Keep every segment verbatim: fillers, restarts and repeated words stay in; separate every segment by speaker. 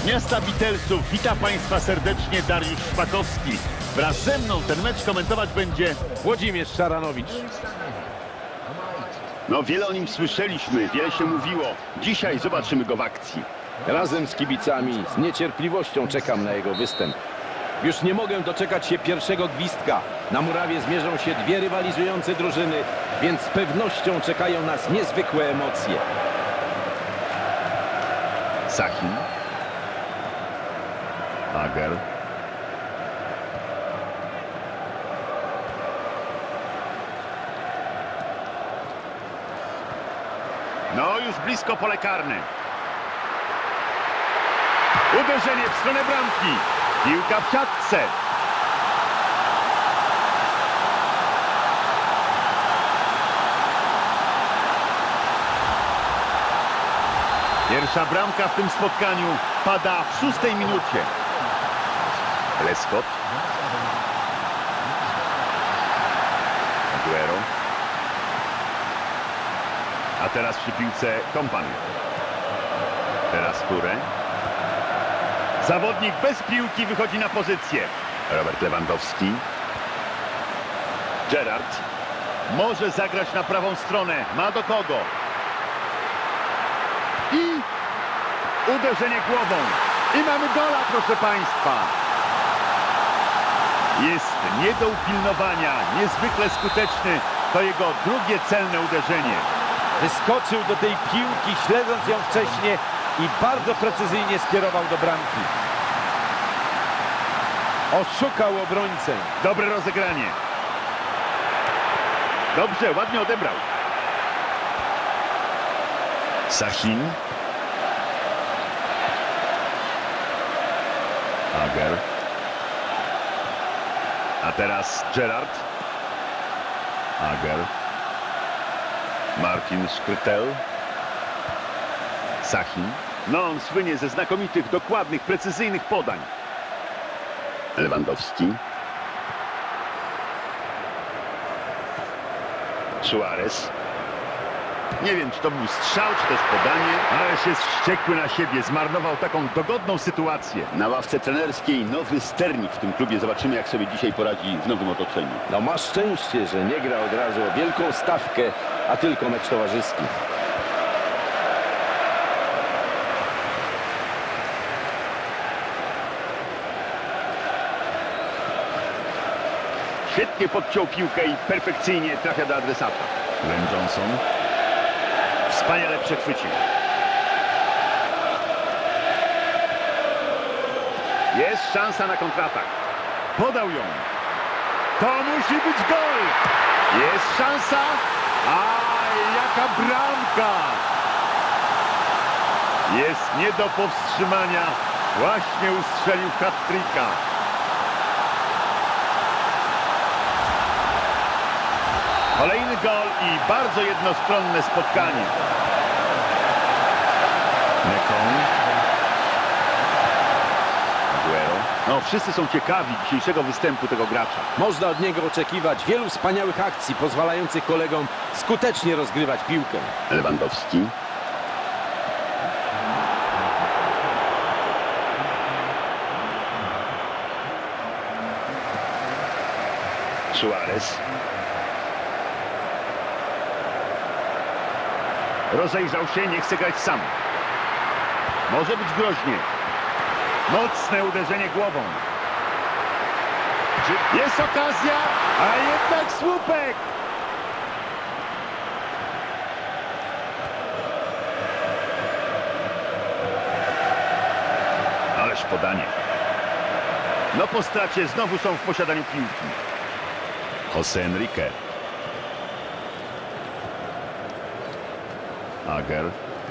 Speaker 1: miasta Beatlesów. Witam Państwa serdecznie, Dariusz Szpakowski. Wraz ze mną ten mecz komentować będzie
Speaker 2: Włodzimierz Szaranowicz.
Speaker 1: No, wiele o nim słyszeliśmy, wiele się mówiło. Dzisiaj zobaczymy go w akcji.
Speaker 2: Razem z kibicami z niecierpliwością czekam na jego występ. Już nie mogę doczekać się pierwszego gwizdka. Na murawie zmierzą się dwie rywalizujące drużyny, więc z pewnością czekają nas niezwykłe emocje.
Speaker 1: Sachin. Ager. No, już blisko pole karne. Uderzenie w stronę bramki. Piłka w siatce. Pierwsza bramka w tym spotkaniu pada w szóstej minucie. Lescott. Aguero. A teraz przy piłce Kompany. Teraz Touré. Zawodnik bez piłki wychodzi na pozycję. Robert Lewandowski. Gerrard. Może zagrać na prawą stronę. Ma do kogo. I uderzenie głową. I mamy gola, proszę Państwa. Jest nie do upilnowania. Niezwykle skuteczny. To jego drugie celne uderzenie.
Speaker 2: Wyskoczył do tej piłki, śledząc ją wcześniej i bardzo precyzyjnie skierował do bramki. Oszukał obrońcę.
Speaker 1: Dobre rozegranie. Dobrze, ładnie odebrał. Sachin. Ager. A teraz Gerrard. Ager. Martin Skrtel. Sachin. No, on słynie ze znakomitych, dokładnych, precyzyjnych podań. Lewandowski. Suarez. Nie wiem, czy to był strzał, czy też podanie, ale jest wściekły na siebie. Zmarnował taką dogodną sytuację. Na ławce trenerskiej nowy sternik w tym klubie. Zobaczymy, jak sobie dzisiaj poradzi w nowym otoczeniu.
Speaker 2: No ma szczęście, że nie gra od razu o wielką stawkę, a tylko mecz towarzyski.
Speaker 1: Świetnie podciął piłkę i perfekcyjnie trafia do adresata. Glenn Johnson. Wspaniale przechwycił. Jest szansa na kontratak. Podał ją. To musi być gol. Jest szansa. Aj, jaka bramka. Jest nie do powstrzymania. Właśnie ustrzelił hat-tricka. Kolejny gol i bardzo jednostronne spotkanie. Nekon. Aguero. No, wszyscy są ciekawi dzisiejszego występu tego gracza.
Speaker 2: Można od niego oczekiwać wielu wspaniałych akcji, pozwalających kolegom skutecznie rozgrywać piłkę.
Speaker 1: Lewandowski. Suarez. Rozejrzał się, nie chce grać sam. Może być groźnie. Mocne uderzenie głową. Jest okazja, a jednak słupek. Ależ podanie. No po stracie znowu są w posiadaniu piłki. José Enrique. Ager.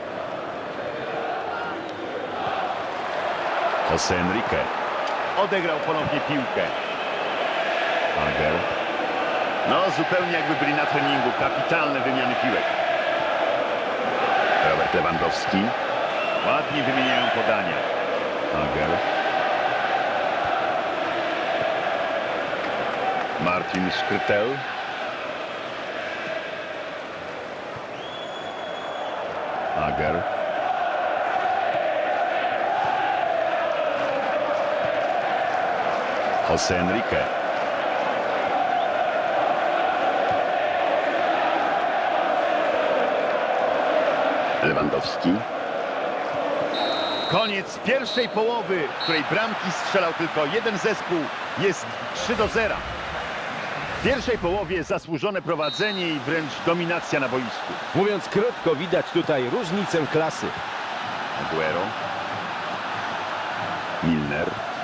Speaker 1: José Enrique. Odegrał ponownie piłkę. Ager. No, zupełnie jakby byli na treningu. Kapitalne wymiany piłek. Robert Lewandowski. Ładnie wymieniają podania. Ager. Martin Skrtel. Ager. Jose Enrique. Lewandowski. Koniec pierwszej połowy, w której bramki strzelał tylko jeden zespół. Jest trzy do zera. W pierwszej połowie zasłużone prowadzenie i wręcz dominacja na boisku.
Speaker 2: Mówiąc krótko, widać tutaj różnicę klasy.
Speaker 1: Aguero. Milner.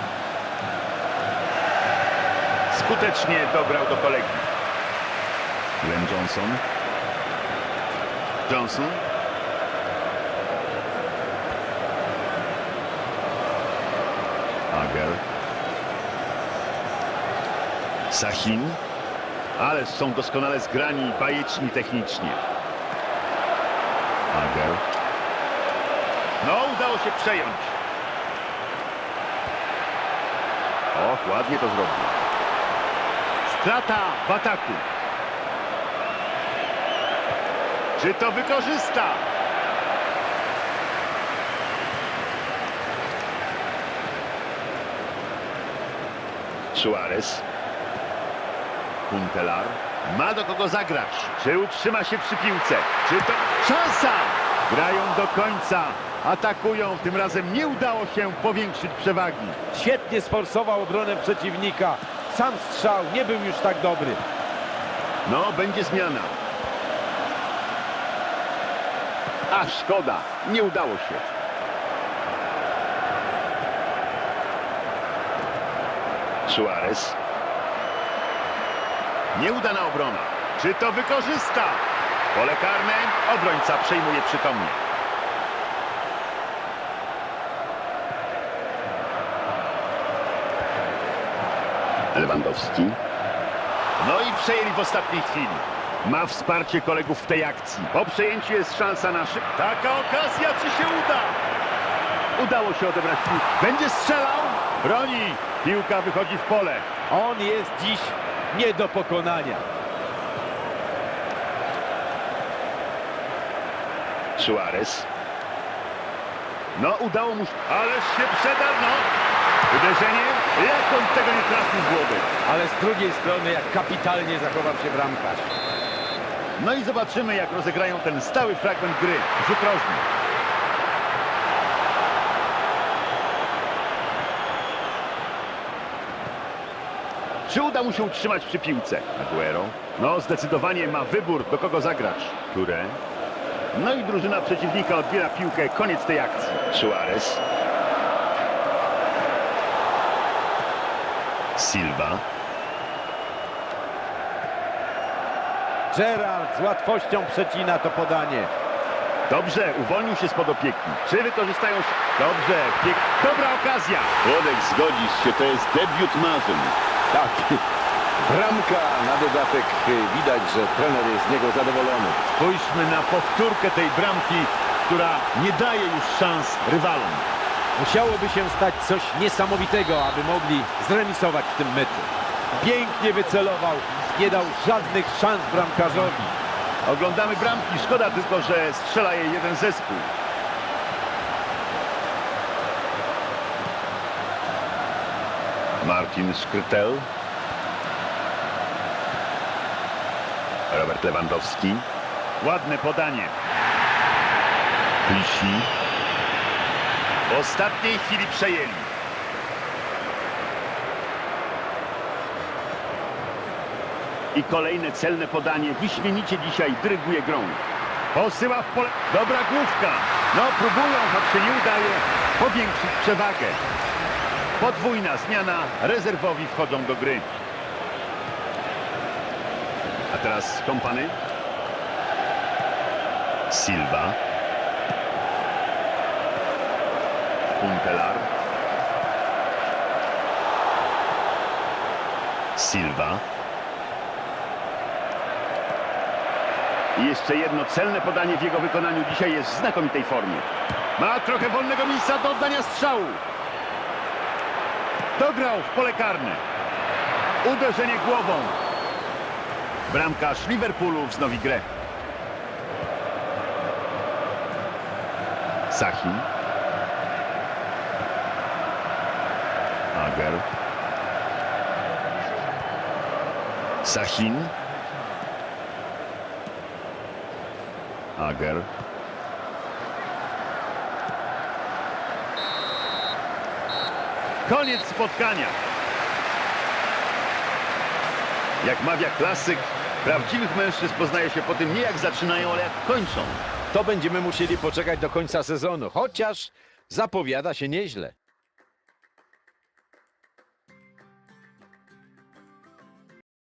Speaker 1: Skutecznie dobrał do kolegi. Glenn Johnson. Johnson. Ager. Sahin. Ale są doskonale zgrani i bajeczni technicznie. Ager. No, udało się przejąć. Och, ładnie to zrobił. Strata w ataku. Czy to wykorzysta? Suarez. Kuntelar. Ma do kogo zagrać. Czy utrzyma się przy piłce? Czy to szansa? Grają do końca. Atakują. Tym razem nie udało się powiększyć przewagi.
Speaker 2: Świetnie sforsował obronę przeciwnika. Sam strzał nie był już tak dobry.
Speaker 1: No, będzie zmiana. A szkoda. Nie udało się. Suarez. Nieudana obrona. Czy to wykorzysta? Pole karne. Obrońca przejmuje przytomnie. Lewandowski. No i przejęli w ostatniej chwili. Ma wsparcie kolegów w tej akcji. Po przejęciu jest szansa na szyb. Taka okazja, czy się uda? Udało się odebrać piłkę. Będzie strzelał? Broni. Piłka wychodzi w pole.
Speaker 2: On jest dziś nie do pokonania.
Speaker 1: Suarez. No, udało mu się. Ależ się przedarł, no. Uderzenie. Jak on tego nie trafił w głowę.
Speaker 2: Ale z drugiej strony, jak kapitalnie zachował się bramkarz.
Speaker 1: No i zobaczymy, jak rozegrają ten stały fragment gry. Rzut rożny. Czy uda mu się utrzymać przy piłce? Aguero. No, zdecydowanie ma wybór, do kogo zagrać. Które? No i drużyna przeciwnika odbiera piłkę. Koniec tej akcji. Suarez. Silva.
Speaker 2: Gerrard z łatwością przecina to podanie.
Speaker 1: Dobrze, uwolnił się spod opieki. Czy wykorzystają się? Dobrze, piek... dobra okazja. Włodek, zgodzisz się, to jest debiut marzeń.
Speaker 2: Tak, bramka na dodatek. Widać, że trener jest z niego zadowolony.
Speaker 1: Spójrzmy na powtórkę tej bramki, która nie daje już szans rywalom.
Speaker 2: Musiałoby się stać coś niesamowitego, aby mogli zremisować w tym meczu. Pięknie wycelował, nie dał żadnych szans bramkarzowi.
Speaker 1: Oglądamy bramki, szkoda tylko, że strzela je jeden zespół. Martin Szkrytel. Robert Lewandowski. Ładne podanie. Klisi. W ostatniej chwili przejęli. I kolejne celne podanie. Wyśmienicie dzisiaj dyryguje grą. Posyła w pole. Dobra główka. No próbują, choć się nie udaje powiększyć przewagę. Podwójna zmiana. Rezerwowi wchodzą do gry. A teraz Kompany. Silva. Kuntelar. Silva. I jeszcze jedno celne podanie w jego wykonaniu. Dzisiaj jest w znakomitej formie. Ma trochę wolnego miejsca do oddania strzału. Dograł w pole karne. Uderzenie głową. Bramkarz Liverpoolu wznowi grę. Sahin. Ager. Sasin. Ager. Koniec spotkania. Jak mawia klasyk, prawdziwych mężczyzn poznaje się po tym nie jak zaczynają, ale jak kończą.
Speaker 2: To będziemy musieli poczekać do końca sezonu, chociaż zapowiada się nieźle.